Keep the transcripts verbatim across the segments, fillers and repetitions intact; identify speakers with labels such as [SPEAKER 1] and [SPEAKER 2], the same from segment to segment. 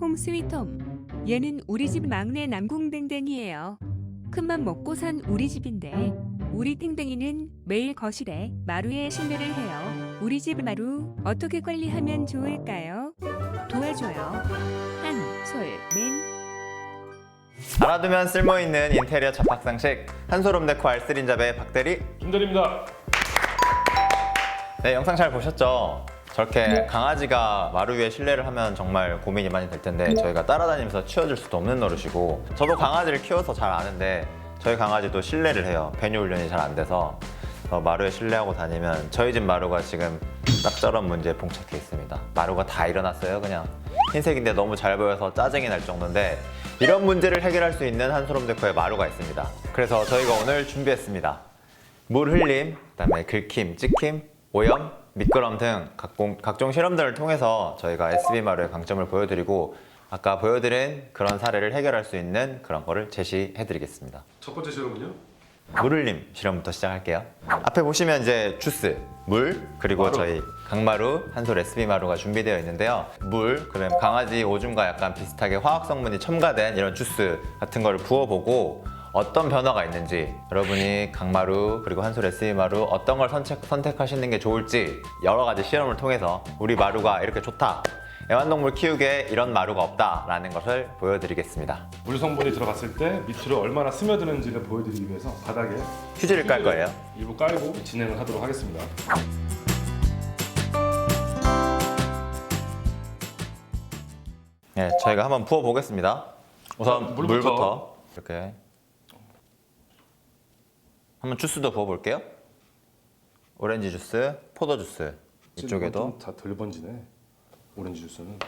[SPEAKER 1] 홍 스위트홈. 얘는 우리 집 막내 남궁댕댕이에요. 큰맘 먹고 산 우리 집인데 우리 탱댕이는 매일 거실에 마루에 실내를 해요. 우리 집 마루 어떻게 관리하면 좋을까요? 도와줘요. 한솔맨.
[SPEAKER 2] 알아두면 쓸모있는 인테리어 잡학상식 한솔홈 데코 알쓰린잡의 박대리
[SPEAKER 3] 김대리입니다.
[SPEAKER 2] 네, 영상 잘 보셨죠? 저렇게 강아지가 마루 위에 실내를 하면 정말 고민이 많이 될 텐데 저희가 따라다니면서 치워줄 수도 없는 노릇이고, 저도 강아지를 키워서 잘 아는데 저희 강아지도 실내를 해요. 배뇨 훈련이 잘 안 돼서 어, 마루에 실내하고 다니면 저희 집 마루가 지금 딱 저런 문제에 봉착해 있습니다. 마루가 다 일어났어요. 그냥 흰색인데 너무 잘 보여서 짜증이 날 정도인데, 이런 문제를 해결할 수 있는 한솔홈 데코에 마루가 있습니다. 그래서 저희가 오늘 준비했습니다. 물 흘림, 그다음에 긁힘, 찍힘, 오염, 미끄럼 등 각종, 각종 실험들을 통해서 저희가 에스비 마루의 강점을 보여드리고, 아까 보여드린 그런 사례를 해결할 수 있는 그런 거를 제시해드리겠습니다.
[SPEAKER 3] 첫 번째 실험은요?
[SPEAKER 2] 물 흘림 실험부터 시작할게요. 앞에 보시면 이제 주스, 물, 그리고
[SPEAKER 3] 마루.
[SPEAKER 2] 저희 강마루, 한솔 에스비 마루가 준비되어 있는데요. 물, 그다음 강아지 오줌과 약간 비슷하게 화학 성분이 첨가된 이런 주스 같은 거를 부어보고 어떤 변화가 있는지, 여러분이 강마루 그리고 한솔 에스비 마루 어떤 걸 선택, 선택하시는 게 좋을지 여러 가지 실험을 통해서 우리 마루가 이렇게 좋다, 애완동물 키우기에 이런 마루가 없다라는 것을 보여드리겠습니다.
[SPEAKER 3] 물 성분이 들어갔을 때 밑으로 얼마나 스며드는지를 보여드리기 위해서 바닥에
[SPEAKER 2] 휴지를 깔 거예요.
[SPEAKER 3] 일부 깔고 진행을 하도록 하겠습니다.
[SPEAKER 2] 네, 저희가 한번 부어 보겠습니다. 우선
[SPEAKER 3] 자, 물부터.
[SPEAKER 2] 물부터 이렇게 한번 주스도 부어 볼게요. 오렌지 주스, 포도 주스 이쪽에도.
[SPEAKER 3] 다덜 번지네. 오렌지 주스는.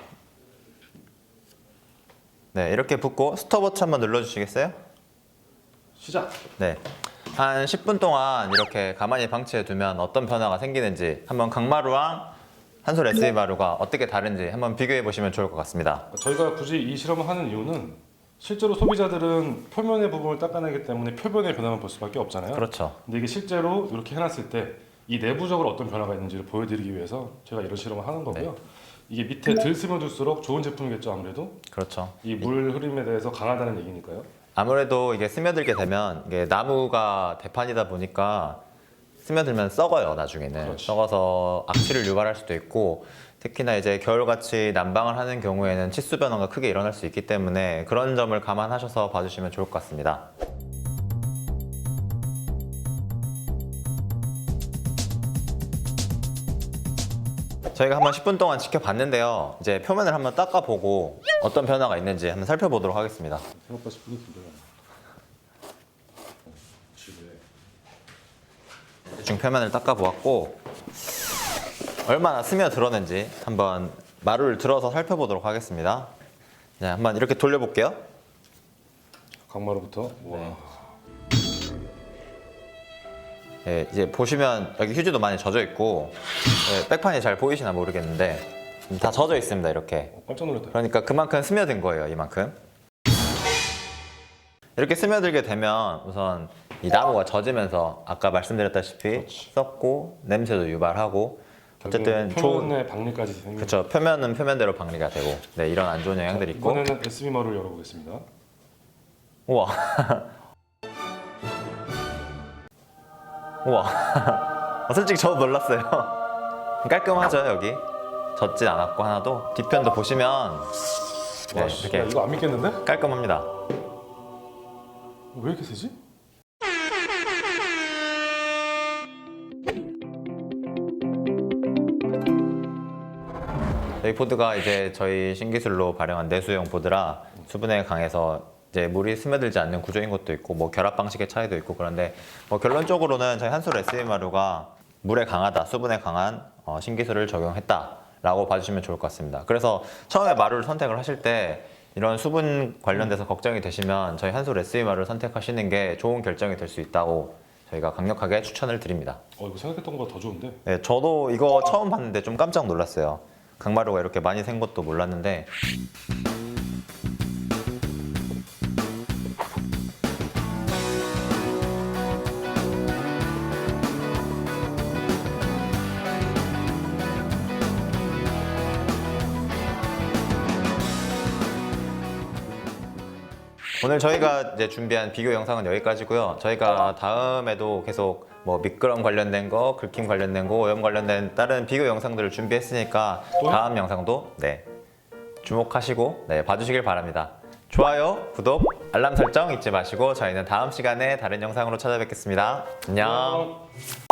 [SPEAKER 2] 네, 이렇게 붓고 스톱워치 한번 눌러주시겠어요?
[SPEAKER 3] 시작.
[SPEAKER 2] 네, 한 십 분 동안 이렇게 가만히 방치해 두면 어떤 변화가 생기는지, 한번 강마루랑 한솔 에스비 마루가 어떻게 다른지 한번 비교해 보시면 좋을 것 같습니다.
[SPEAKER 3] 저희가 굳이 이 실험을 하는 이유는 실제로 소비자들은 표면의 부분을 닦아내기 때문에 표면의 변화만 볼 수밖에 없잖아요.
[SPEAKER 2] 그렇죠.
[SPEAKER 3] 근데 이게 실제로 이렇게 해놨을 때 이 내부적으로 어떤 변화가 있는지를 보여드리기 위해서 제가 이런 실험을 하는 거고요.
[SPEAKER 2] 네.
[SPEAKER 3] 이게 밑에 들 스며들수록 좋은 제품이겠죠, 아무래도.
[SPEAKER 2] 그렇죠.
[SPEAKER 3] 이 물 흐름에 대해서 강하다는 얘기니까요.
[SPEAKER 2] 아무래도 이게 스며들게 되면 이게 나무가 대판이다 보니까 스며들면 썩어요. 나중에는
[SPEAKER 3] 그렇지.
[SPEAKER 2] 썩어서 악취를 유발할 수도 있고, 특히나 이제 겨울같이 난방을 하는 경우에는 치수 변화가 크게 일어날 수 있기 때문에 그런 점을 감안하셔서 봐주시면 좋을 것 같습니다. 저희가 한번 십 분 동안 지켜봤는데요. 이제 표면을 한번 닦아보고 어떤 변화가 있는지 한번 살펴보도록 하겠습니다.
[SPEAKER 3] 생각보다 십 분이 길어요. 집에
[SPEAKER 2] 대충 표면을 닦아보았고 얼마나 스며들었는지 한번 마루를 들어서 살펴보도록 하겠습니다. 네, 한번 이렇게 돌려볼게요.
[SPEAKER 3] 강마루부터. 와.
[SPEAKER 2] 네. 네, 이제 보시면 여기 휴지도 많이 젖어 있고, 네, 백판이 잘 보이시나 모르겠는데 다 젖어 있습니다. 이렇게.
[SPEAKER 3] 어, 깜짝 놀랐다.
[SPEAKER 2] 그러니까 그만큼 스며든 거예요. 이만큼. 이렇게 스며들게 되면 우선 이 나무가 젖으면서 아까 말씀드렸다시피
[SPEAKER 3] 그렇지.
[SPEAKER 2] 썩고 냄새도 유발하고, 어쨌든
[SPEAKER 3] 표면의 박리까지 생긴.
[SPEAKER 2] 그렇죠. 표면은 표면대로 방리가 되고, 네, 이런 안 좋은 영향들이 있고.
[SPEAKER 3] 이번에는 에스비 마루를 열어보겠습니다.
[SPEAKER 2] 우와. 우와. 어, 솔직히 저도 놀랐어요. 깔끔하죠, 여기. 젖진 않았고 하나도. 뒤편도 보시면 네,
[SPEAKER 3] 와, 씨,
[SPEAKER 2] 이렇게
[SPEAKER 3] 야, 이거 안 믿겠는데?
[SPEAKER 2] 깔끔합니다.
[SPEAKER 3] 왜 이렇게 세지?
[SPEAKER 2] 저희 보드가 이제 저희 신기술로 발행한 내수용 보드라 수분에 강해서 이제 물이 스며들지 않는 구조인 것도 있고, 뭐 결합 방식의 차이도 있고, 그런데 뭐 결론적으로는 저희 한솔 에스비 마루가 물에 강하다, 수분에 강한 어, 신기술을 적용했다라고 봐주시면 좋을 것 같습니다. 그래서 처음에 마루를 선택을 하실 때 이런 수분 관련돼서 걱정이 되시면 저희 한솔 에스비 마루를 선택하시는 게 좋은 결정이 될 수 있다고 저희가 강력하게 추천을 드립니다.
[SPEAKER 3] 어, 이거 생각했던 것보다 더 좋은데?
[SPEAKER 2] 네, 저도 이거 처음 봤는데 좀 깜짝 놀랐어요. 강마루가 이렇게 많이 샌 것도 몰랐는데. 오늘 저희가 이제 준비한 비교 영상은 여기까지고요. 저희가 다음에도 계속 뭐 미끄럼 관련된 거, 긁힘 관련된 거, 오염 관련된 다른 비교 영상들을 준비했으니까 다음 영상도 네 주목하시고 네 봐주시길 바랍니다. 좋아요, 구독, 알람 설정 잊지 마시고 저희는 다음 시간에 다른 영상으로 찾아뵙겠습니다. 안녕.